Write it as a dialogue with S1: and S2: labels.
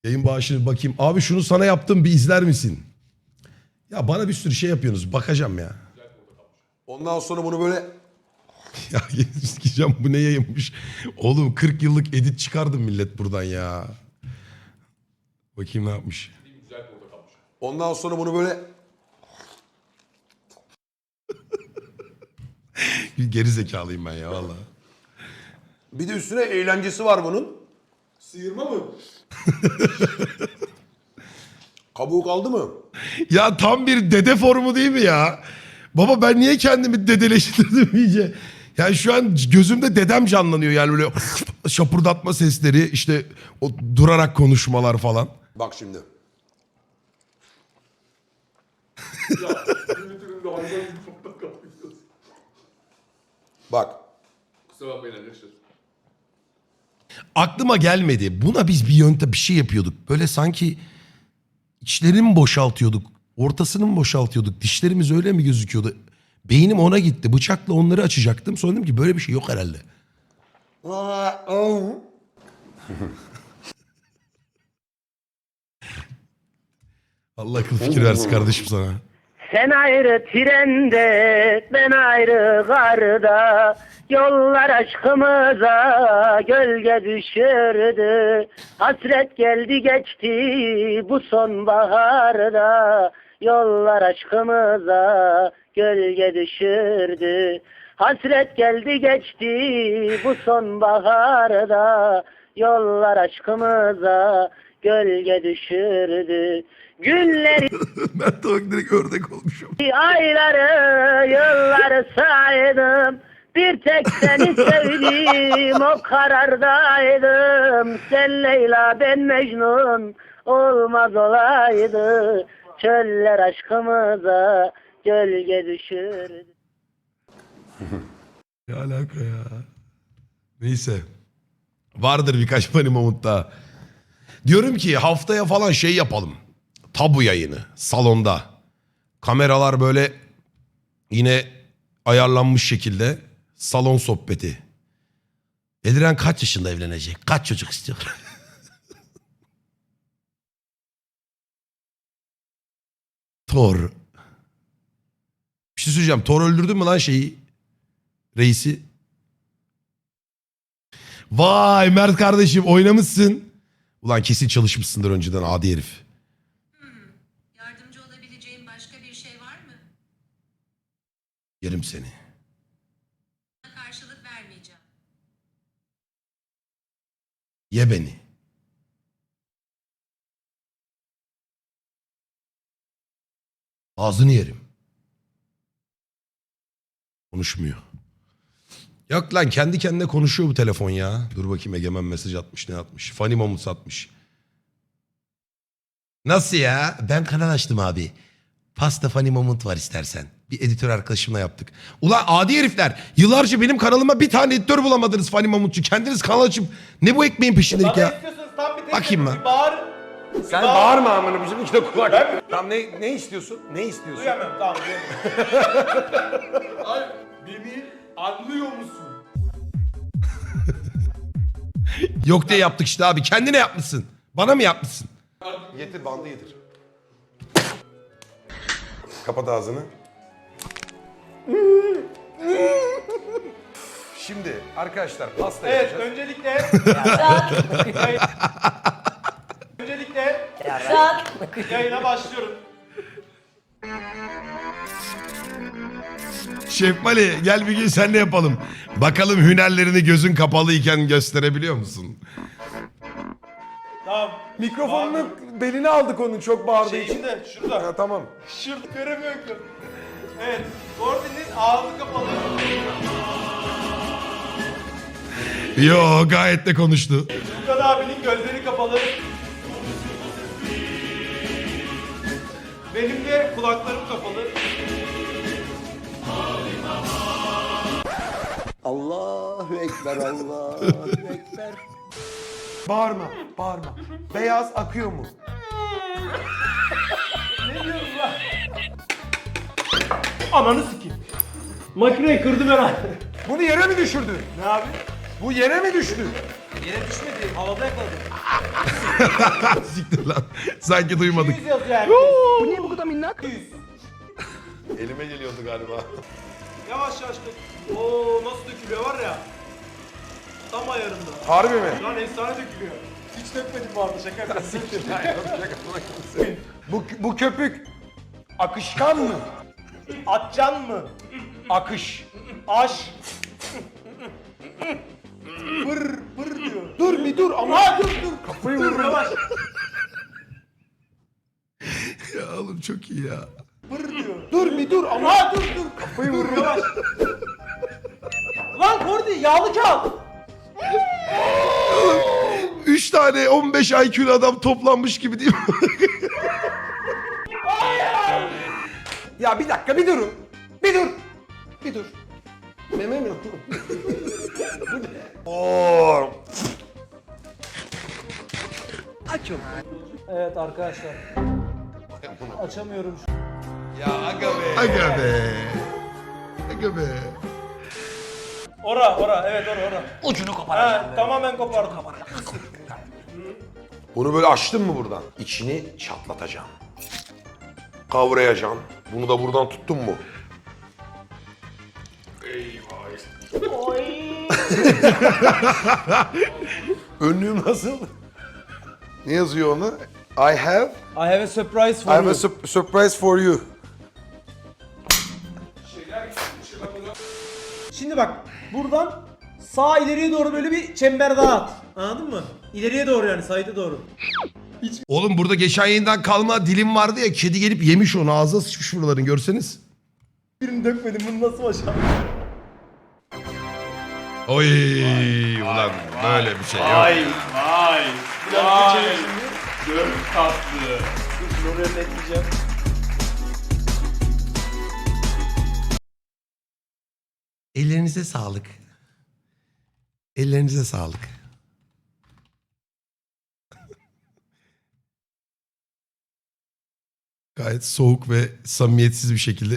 S1: Yayın bağışını bakayım. Abi şunu sana yaptım, bir izler misin? Ya bana bir sürü şey yapıyorsunuz. Bakacağım ya.
S2: Ondan sonra bunu böyle
S1: Ya sikeceğim, bu ne yayınmış. Oğlum 40 yıllık edit çıkardım millet buradan ya. Bakayım ne yapmış.
S2: ondan sonra bunu böyle
S1: Geri zekalıyım ben ya vallahi.
S2: bir de üstüne eğlencesi var bunun.
S3: Sıyırma mı?
S2: Kabuğu kaldı mı?
S1: Ya tam bir dede formu değil mi ya? Baba ben niye kendimi dedeleştirdim iyice? Yani şu an gözümde dedem canlanıyor yani böyle şapurdatma sesleri, işte o durarak konuşmalar falan.
S2: Bak şimdi.
S3: Ya Twitter'ında hayvan gibi fotoğraf kapatıyorsun.
S2: Bak.
S3: Kusura bakmayın arkadaşlar.
S1: Aklıma gelmedi. Buna biz bir yöntem bir şey yapıyorduk. Böyle sanki içlerini mi boşaltıyorduk? Ortasını mı boşaltıyorduk? Dişlerimiz öyle mi gözüküyordu? Beynim ona gitti. Bıçakla onları açacaktım. Sonra dedim ki böyle bir şey yok herhalde. Allah akıl fikir versin kardeşim sana.
S4: Sen ayrı trende, ben ayrı garda, yollar aşkımıza gölge düşürdü. Hasret geldi geçti bu sonbaharda, yollar aşkımıza gölge düşürdü. Hasret geldi geçti bu sonbaharda, yollar aşkımıza gölge düşürdü. Günleri
S1: Ben de bak direkt ördek olmuşum.
S4: ayları, yılları saydım. Bir tek seni sevdim, o karardaydım. Sen Leyla, ben Mecnun, olmaz olaydı. Çöller aşkımıza gölge düşürdü.
S1: Ne alaka ya? Neyse. Vardır birkaç Funny Moment daha. Diyorum ki haftaya falan şey yapalım. Tabu yayını salonda. Kameralar böyle yine ayarlanmış şekilde salon sohbeti. Eliren kaç yaşında evlenecek? Kaç çocuk istiyor? Thor. Bir şey söyleyeceğim. Thor öldürdün mü lan şeyi? Reisi. Vay Mert kardeşim oynamışsın. Ulan kesin çalışmışsındır önceden adi herif.
S5: Yardımcı olabileceğim başka bir şey var mı?
S1: Yerim seni.
S5: Buna karşılık vermeyeceğim.
S1: Ye beni. Ağzını yerim. Konuşmuyor. Yok lan kendi kendine konuşuyor bu telefon ya. Dur bakayım Egemen mesaj atmış ne atmış. Funny Moments atmış. Nasıl ya? Ben kanal açtım abi. Pasta Funny Moment var istersen. Bir editör arkadaşımla yaptık. Ulan adi herifler. Yıllarca benim kanalıma bir tane editör bulamadınız Funny Moment'cu. Kendiniz kanal açıp ne bu ekmeğin peşindelik
S6: Bana
S1: ya?
S6: istiyorsanız tam bir tek
S1: Bakayım
S6: bir
S1: ben.
S6: bağır.
S2: Sen bağırma amına bizim iki de kulak. Tamam ne istiyorsun? Ne istiyorsun?
S6: Duyamıyorum tamam duyamıyorum.
S3: Ay beni anlıyor musun?
S1: Yok diye yaptık işte abi. Kendine yapmışsın. Bana mı yapmışsın?
S2: Getir bandı getir. Kapat ağzını. Şimdi arkadaşlar pasta
S6: Evet
S2: yapacağız.
S6: öncelikle yayına başlıyorum.
S1: Şef Mali gel bir gün senle yapalım. Bakalım hünerlerini gözün kapalıyken gösterebiliyor musun?
S6: Tamam.
S2: Mikrofonun belini aldık onun çok bağırdığı
S6: Şey
S2: için.
S6: içinde şurada.
S2: Ha, tamam.
S6: Şurada göremiyorum ki. Evet. Gordon'in ağzı kapalı.
S1: Yo gayet de konuştu.
S6: Lukan abinin gözleri kapalı. Benim de kulaklarım kapalı.
S2: Allahu Ekber, Allahu Ekber. Bağırma, bağırma. Beyaz akıyor mu?
S6: Ne diyorsun lan? Ananı sikeyim. Makineyi kırdım herhalde.
S2: Bunu yere mi düşürdün?
S6: Ne abi?
S2: Bu yere mi düştü?
S6: Yere düşmedi. Havada yakaladım.
S1: Siktir lan. Sanki duymadık.
S6: 100 yazıyor herkes.
S4: Bu niye bu kadar minnak?
S6: 100.
S1: Elime geliyordu galiba.
S6: Yavaş yavaş dök. Oo nasıl dökülüyor var ya. Tam ayarında.
S2: Harbi mi?
S6: Lan efsane dökülüyor. Hiç dökmedim bu arada şaka yapıyorsun.
S2: Bu köpük akışkan mı?
S6: Atcan mı?
S2: Akış.
S6: Aş. Pır pır diyor.
S2: Dur bir dur ama.
S6: Aa dur dur. Kafayı dur yavaş.
S1: Ya oğlum çok iyi ya.
S6: Pır diyor.
S2: Dur bir dur ama.
S6: Aa dur dur. Kafayı vur yavaş. Lan Kordi yağlı kağıt.
S1: 3 tane 15 IQ'lu adam toplanmış gibi değil mi?
S2: Ya bir dakika bir durun. Bir dur. Bir dur. Meme mi? Oo.
S6: Evet arkadaşlar. Açamıyorum şu.
S2: Ya aga be.
S1: Aga be. Aga be.
S6: Ora evet ora.
S2: Ucunu koparacağım.
S6: Ha, tamamen kopardım.
S2: Bunu böyle açtın mı buradan? İçini çatlatacağım. Kavrayacağım. Bunu da buradan tuttun mu? Önlüğüm nasıl? Ne yazıyor onu? I have
S6: I have a surprise
S2: I
S6: for
S2: have
S6: you.
S2: a surprise for you.
S6: Şimdi bak buradan sağ ileriye doğru böyle bir çember daha at. Anladın mı? İleriye doğru yani side'e doğru.
S1: Oğlum burada geçen yayından kalma dilim vardı ya. Kedi gelip yemiş onu. Ağzına sıçmış buraların görseniz.
S6: Birini dökmedim bunu nasıl başardın?
S1: Oy ulan böyle bir şey yok.
S3: Vay.
S6: Biraz geçelim şimdi.
S3: Çok tatlı.
S6: Dur oraya bekleyeceğim.
S1: Ellerinize sağlık. Ellerinize sağlık. Gayet soğuk ve samimiyetsiz bir şekilde